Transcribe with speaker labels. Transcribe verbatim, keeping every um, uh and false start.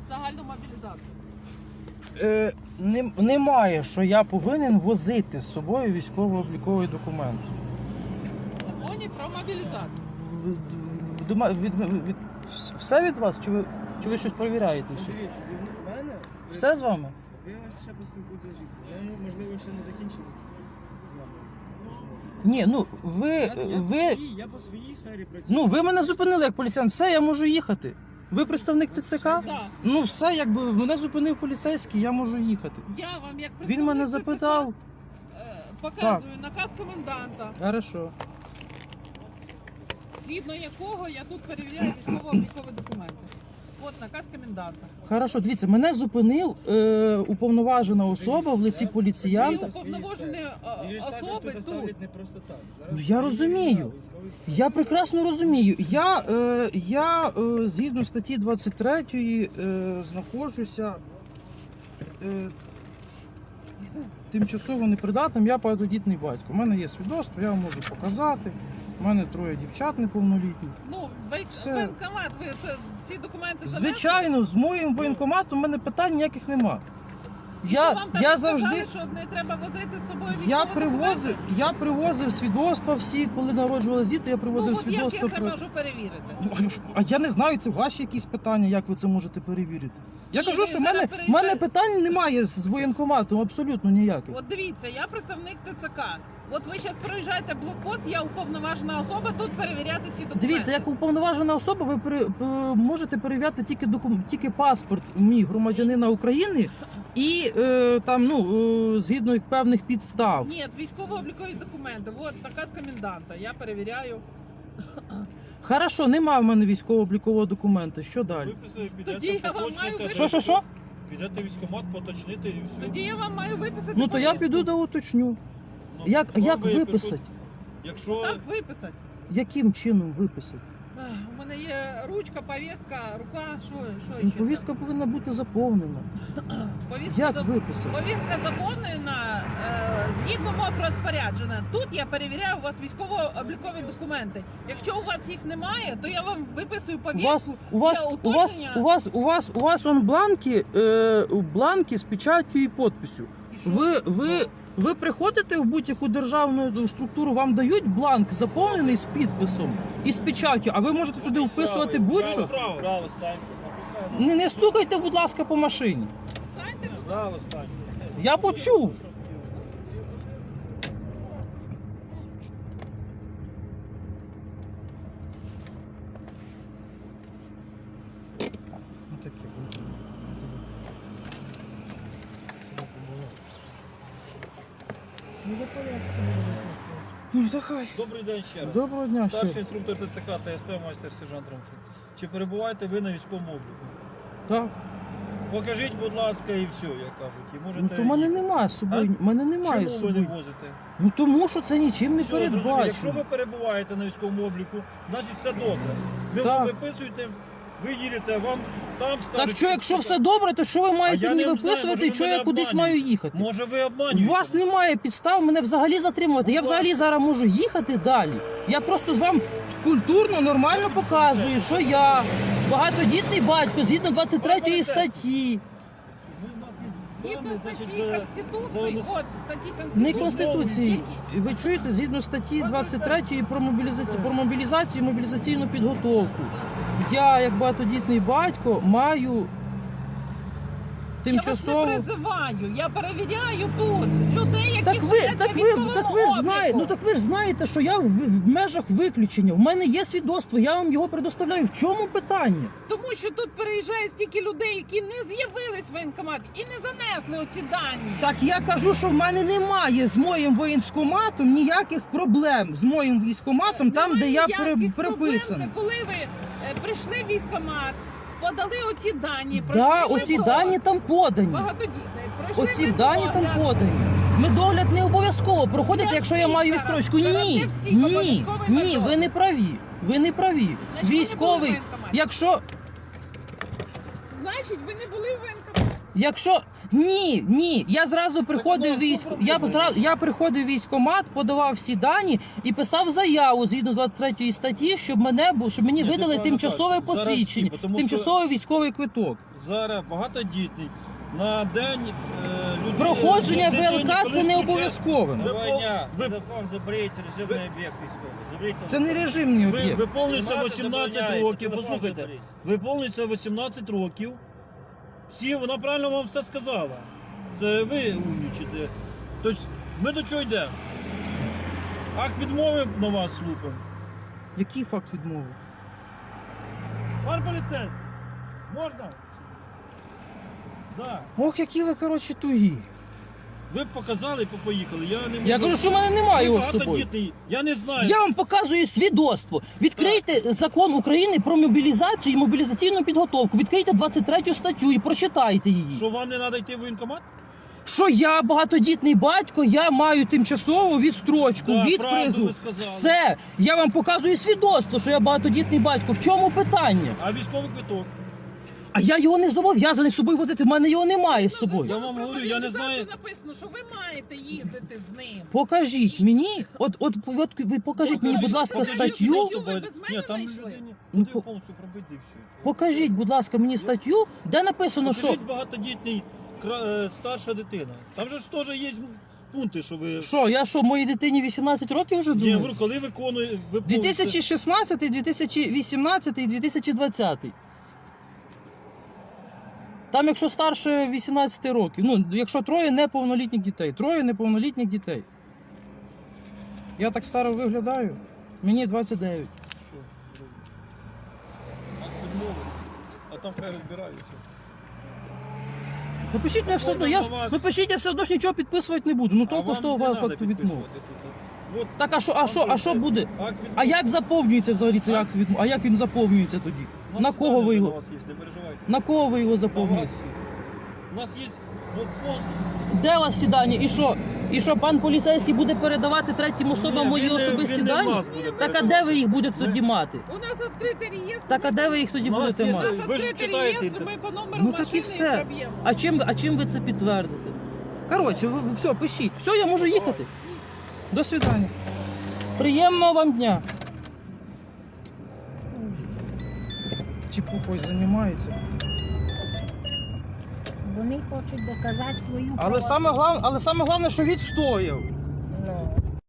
Speaker 1: загальну мобілізацію.
Speaker 2: Е, не, немає, що я повинен возити з собою військово-обліковий документ.
Speaker 1: В законі про мобілізацію.
Speaker 2: В- в- дома- від, від, від, все від вас? Чи ви, чи ви щось перевіряєте ще?
Speaker 3: Дивіться, зі мене ви-
Speaker 2: Все з вами?
Speaker 3: Ви ще поспілкуєтеся з жінкою. Я, можливо, ще не закінчилось з вами.
Speaker 2: Ні, ну ви,
Speaker 3: Я, я, по
Speaker 2: ви,
Speaker 3: своїй, я по своїй сфері працюю.
Speaker 2: ну ви мене зупинили як поліціян, все, я можу їхати. Ви представник ТЦК?
Speaker 1: Да.
Speaker 2: Ну все, якби мене зупинив поліцейський, я можу їхати.
Speaker 1: Я вам як
Speaker 2: Він мене
Speaker 1: представник
Speaker 2: запитав.
Speaker 1: ТЦК, е, показую наказ коменданта,
Speaker 2: Хорошо.
Speaker 1: згідно якого я тут перевіряю військово-облікові документи. От наказ коменданта.
Speaker 2: Хорошо, дивіться, мене зупинив е, уповноважена особа в лиці
Speaker 1: І
Speaker 2: поліціянта.
Speaker 1: уповноважені е,
Speaker 3: Їх же ж також
Speaker 1: особи
Speaker 3: туди
Speaker 1: тут.
Speaker 3: ставлять не просто так. Зараз
Speaker 2: Ну, я
Speaker 3: є
Speaker 2: розумію.
Speaker 3: військовий стан.
Speaker 2: Я прекрасно розумію. Я, е, я е, згідно статті двадцять три е, знаходжуся е, тимчасово непридатним, я багатодітний батько. У мене є свідоцтво, я вам можу показати. У мене троє дівчат неповнолітніх.
Speaker 1: Ну, в
Speaker 2: Все.
Speaker 1: воєнкомат, ви це, ці документи занесли?
Speaker 2: Звичайно, з моїм воєнкоматом у мене питань ніяких нема.
Speaker 1: І що
Speaker 2: Я,
Speaker 1: вам там
Speaker 2: я
Speaker 1: сказали,
Speaker 2: завжди.
Speaker 1: що не треба возити з собою
Speaker 2: Я
Speaker 1: військові
Speaker 2: привозив,
Speaker 1: документи?
Speaker 2: я привозив свідоцтва всі, коли народжувалися діти, я
Speaker 1: Ну,
Speaker 2: привозив
Speaker 1: от як я
Speaker 2: свідоцтва
Speaker 1: це
Speaker 2: про.
Speaker 1: можу перевірити?
Speaker 2: А я не знаю, це ваші якісь питання, як ви це можете перевірити. Я
Speaker 1: Ні,
Speaker 2: кажу,
Speaker 1: ви
Speaker 2: що в
Speaker 1: зараз
Speaker 2: мене, в
Speaker 1: переїжджаєте-
Speaker 2: мене питань немає з воєнкоматом, абсолютно ніяких.
Speaker 1: От дивіться, я представник ТЦК. От ви зараз проїжджаєте блокпост, я уповноважена особа тут перевіряти ці документи.
Speaker 2: Дивіться, як уповноважена особа, ви пере- п- можете перевіряти тільки докум... тільки паспорт мій громадянина України і е, там, ну, е, згідно певних підстав.
Speaker 1: Ні, військово-облікові документи. От наказ коменданта. Я перевіряю.
Speaker 2: Хорошо, немає в мене військово-облікового документа. Що далі?
Speaker 4: Виписали,
Speaker 1: Тоді
Speaker 4: підете,
Speaker 1: я вам маю
Speaker 4: поточните.
Speaker 2: Що, що, що?
Speaker 4: Підете в військкомат, поточните і все.
Speaker 1: Тоді я вам маю виписати.
Speaker 2: Ну то я
Speaker 1: повістку.
Speaker 2: піду да уточню.
Speaker 4: Ну,
Speaker 2: Як,
Speaker 4: вам
Speaker 2: як
Speaker 4: випишуть.
Speaker 2: виписати?
Speaker 4: Якщо
Speaker 1: Так, виписати.
Speaker 2: Яким чином виписати?
Speaker 1: Ах, У мене є ручка, повістка, рука. Що, що
Speaker 2: Ну,
Speaker 1: ще?
Speaker 2: повістка повинна бути заповнена.
Speaker 1: Повістка
Speaker 2: Як
Speaker 1: за-
Speaker 2: виписати?
Speaker 1: Повістка заповнена е, згідно мого розпорядження. Тут я перевіряю у вас військово-облікові документи. Якщо у вас їх немає, то я вам виписую
Speaker 2: У
Speaker 1: повістку.
Speaker 2: вас, у вас,
Speaker 1: для
Speaker 2: у вас,
Speaker 1: уточнення.
Speaker 2: у вас, у вас, у вас он бланки, е, бланки з печаттю і підписю.
Speaker 1: І що?
Speaker 2: Ви, ви, ви приходите в будь-яку державну структуру, вам дають бланк заповнений з підписом і з печаттю, а ви можете туди вписувати будь-що.
Speaker 4: Право, право, станьте.
Speaker 2: Не, не стукайте, будь ласка, по машині.
Speaker 1: Станьте, будь
Speaker 4: Право, станьте.
Speaker 2: Я почув. Ну, таке буде. Ну, та хай.
Speaker 4: Добрий день ще раз.
Speaker 2: Доброго дня ще.
Speaker 4: Старший інструктор ТЦК та СП майстер сержант Ромчук. Чи перебуваєте ви на військовому обліку?
Speaker 2: Так.
Speaker 4: Покажіть, будь ласка, і все, як кажуть. І можете...
Speaker 2: Ну то в мене немає з собою.
Speaker 4: А?
Speaker 2: в мене немає з
Speaker 4: Чому ви не
Speaker 2: собою.
Speaker 4: возите?
Speaker 2: Ну тому що це нічим не
Speaker 4: Все, зрозуміло.
Speaker 2: передбачено.
Speaker 4: Якщо ви перебуваєте на військовому обліку, значить все добре. Ви
Speaker 2: Так.
Speaker 4: вам виписуєте, ви їдете, вам там скажуть...
Speaker 2: Так що, якщо все добре, то що ви маєте
Speaker 4: я
Speaker 2: мені
Speaker 4: не знаю,
Speaker 2: виписувати
Speaker 4: може,
Speaker 2: і
Speaker 4: ви
Speaker 2: що
Speaker 4: мене
Speaker 2: я кудись
Speaker 4: обманюєте.
Speaker 2: маю їхати?
Speaker 4: Може ви
Speaker 2: У
Speaker 4: обманюєте?
Speaker 2: вас немає підстав мене взагалі затримувати. Я
Speaker 4: Будь
Speaker 2: взагалі
Speaker 4: ласка.
Speaker 2: зараз можу їхати далі. Я просто з вам культурно, нормально показую, що я багатодітний батько згідно двадцять третьої статті.
Speaker 1: Згідно
Speaker 4: Значить,
Speaker 1: статті
Speaker 4: за-
Speaker 1: Конституції,
Speaker 4: за-
Speaker 1: от статті Конституції.
Speaker 2: Не Конституції.
Speaker 1: Які?
Speaker 2: Ви чуєте, згідно статті двадцять три про мобілізацію, про мобілізацію і мобілізаційну підготовку. Я, як багатодітний батько, маю тимчасово.
Speaker 1: Я вас не призиваю, я перевіряю тут людей, які
Speaker 2: Так ви,
Speaker 1: сидять
Speaker 2: так
Speaker 1: на
Speaker 2: ви,
Speaker 1: військовому
Speaker 2: так ви ж
Speaker 1: обліку.
Speaker 2: знаєте, ну так ви ж знаєте, що я в, в межах виключення. В мене є свідоцтво, я вам його предоставляю. В чому питання?
Speaker 1: Тому що тут переїжджає стільки людей, які не з'явились в воєнкомат і не занесли оці дані.
Speaker 2: Так я кажу, що в мене немає з моїм воєнкоматом ніяких проблем з моїм військкоматом, там, де
Speaker 1: Немає
Speaker 2: я
Speaker 1: ніяких
Speaker 2: при,
Speaker 1: проблем.
Speaker 2: приписаний.
Speaker 1: Це коли ви е, прийшли в військкомат, подали оці дані,
Speaker 2: Да,
Speaker 1: пройшли
Speaker 2: оці
Speaker 1: медогляд.
Speaker 2: дані там подані.
Speaker 1: Багатодітний. Пройшли
Speaker 2: Оці дані там
Speaker 1: медогляд.
Speaker 2: подані. Медогляд не обов'язково проходить,
Speaker 1: Для
Speaker 2: якщо я
Speaker 1: всіх
Speaker 2: маю
Speaker 1: зараз.
Speaker 2: відстрочку.
Speaker 1: Зараз
Speaker 2: Ні,
Speaker 1: для всіх
Speaker 2: ні,
Speaker 1: обов'язковий
Speaker 2: ні,
Speaker 1: медогляд.
Speaker 2: ви не праві. Ви не праві.
Speaker 1: Значить, ви не були в
Speaker 2: Військовий,
Speaker 1: воєнкоматі.
Speaker 2: якщо
Speaker 1: Значить, ви не були в воєнкоматі.
Speaker 2: Якщо ні, ні, я зразу приходив
Speaker 4: ну,
Speaker 2: військ.
Speaker 4: це
Speaker 2: Я
Speaker 4: проблема.
Speaker 2: б зразу я приходив в військкомат, подавав всі дані і писав заяву згідно з двадцять третьої статті, щоб мене бу- щоб мені
Speaker 4: Ні, ти
Speaker 2: видали
Speaker 4: правильно
Speaker 2: тимчасове
Speaker 4: кажеш. Зараз
Speaker 2: посвідчення,
Speaker 4: всі, тому що-
Speaker 2: тимчасовий військовий квиток.
Speaker 4: Зараз багатодітний. На день е, людей...
Speaker 2: Проходження
Speaker 4: дитині,
Speaker 2: ВЛК
Speaker 4: коли
Speaker 2: це не
Speaker 4: включають-
Speaker 2: обов'язково.
Speaker 4: Ви
Speaker 5: Давай
Speaker 4: пол-
Speaker 5: дня,
Speaker 4: ви-
Speaker 5: телефон заберіть, режимний об'єкт військовий. Заберіть
Speaker 2: Це не
Speaker 5: телефон.
Speaker 2: режимний
Speaker 4: Ви,
Speaker 2: об'єкт.
Speaker 4: виповнюється
Speaker 5: Знімати
Speaker 4: вісімнадцять
Speaker 5: забороняється,
Speaker 4: років,
Speaker 5: телефон
Speaker 4: послухайте,
Speaker 5: заберіть.
Speaker 4: виповнюється вісімнадцять років. Всі, вона правильно вам все сказала. Це ви умнічите. Тобто ми до чого йдемо? Акт відмови на вас слупимо.
Speaker 2: Який факт відмови?
Speaker 4: Пан поліцейський, можна? Да.
Speaker 2: Ох, які ви, коротше, тугі.
Speaker 4: Ви б показали і поїхали. Я не можу.
Speaker 2: Я кажу, що в мене немає його з собою.
Speaker 4: Багатодітний. Я не знаю.
Speaker 2: Я вам показую свідоцтво. Відкрийте закон України про мобілізацію і мобілізаційну підготовку. Відкрийте двадцять третю статтю і прочитайте її.
Speaker 4: Що вам не треба йти в воєнкомат?
Speaker 2: Що я багатодітний батько, я маю тимчасову відстрочку
Speaker 4: Так,
Speaker 2: від
Speaker 4: правду
Speaker 2: призу.
Speaker 4: ви сказали.
Speaker 2: Все, я вам показую свідоцтво, що я багатодітний батько. В чому питання?
Speaker 4: А військовий квиток?
Speaker 2: А я його не зобов'язаний з собою возити. В мене його немає з собою.
Speaker 4: Я вам говорю, я не знаю.
Speaker 1: Написано, що ви маєте їздити з ним.
Speaker 2: Покажіть мені, от, от, от ви покажіть мені, будь ласка,
Speaker 1: покажіть
Speaker 2: статтю.
Speaker 1: статтю. Ви без мене
Speaker 4: Ні, там
Speaker 1: знайшли?
Speaker 4: людині
Speaker 2: Ну,
Speaker 4: ну,
Speaker 2: по-
Speaker 4: повністю пробити і все.
Speaker 2: Покажіть, будь ласка, мені статтю, де написано, що.
Speaker 4: Покажіть багатодітний кра- е, старша дитина. Там же ж теж є пункти, що ви...
Speaker 2: Що, я що, моїй дитині вісімнадцять років вже
Speaker 4: Ні, я
Speaker 2: думаю?
Speaker 4: говорю, коли виконує... Ви
Speaker 2: дві тисячі шістнадцятий, дві тисячі вісімнадцятий, дві тисячі двадцятий. Там, якщо старше вісімнадцяти років, ну, якщо троє неповнолітніх дітей, троє неповнолітніх дітей. Я так старо виглядаю, мені двадцять дев'ять.
Speaker 4: Що? Акт відмови. А там хай розбираються.
Speaker 2: Напишіть мені все одно, я ж,
Speaker 4: на вас-
Speaker 2: напишіть, я все одно ж нічого підписувати не буду. Ну
Speaker 4: А
Speaker 2: толку
Speaker 4: вам
Speaker 2: з того
Speaker 4: не надо
Speaker 2: факту відмови.
Speaker 4: підписувати тут. От
Speaker 2: Так, а що, а що, а що буде?
Speaker 4: акт відмови.
Speaker 2: А як заповнюється взагалі цей акт відмови? А як він заповнюється тоді?
Speaker 4: У нас
Speaker 2: На кого
Speaker 4: дані
Speaker 2: ви
Speaker 4: вже
Speaker 2: його?
Speaker 4: на вас є, не переживайте.
Speaker 2: На кого ви його
Speaker 4: На вас
Speaker 2: заповнюєте?
Speaker 4: всі. У нас є блокпост.
Speaker 2: Де у вас ці дані? І що? І що пан поліцейський буде передавати третім особам
Speaker 4: Ні,
Speaker 2: мої
Speaker 4: він не-
Speaker 2: особисті
Speaker 4: він не
Speaker 2: дані?
Speaker 4: вас буде
Speaker 2: Так а де
Speaker 4: передавати.
Speaker 2: ви їх будете тоді мати?
Speaker 1: У нас відкритий реєстр.
Speaker 2: Так а де ви їх тоді
Speaker 4: У нас
Speaker 2: будете
Speaker 4: є
Speaker 1: У
Speaker 2: мати?
Speaker 1: нас
Speaker 4: Ви ж
Speaker 1: відкритий
Speaker 4: читаєте
Speaker 1: реєстр,
Speaker 4: інтернет.
Speaker 1: ми по номеру
Speaker 2: Ну так і
Speaker 1: машини
Speaker 2: все.
Speaker 1: проб'ємо.
Speaker 2: А чим, а чим ви це підтвердите? Коротше, ви, ви- все, пишіть. Все, я можу їхати. До свидання. Приємного вам дня. Чепухою займається.
Speaker 6: Вони хочуть доказати свою
Speaker 2: Але
Speaker 6: правоту.
Speaker 2: саме головне, але саме головне, що відстояв.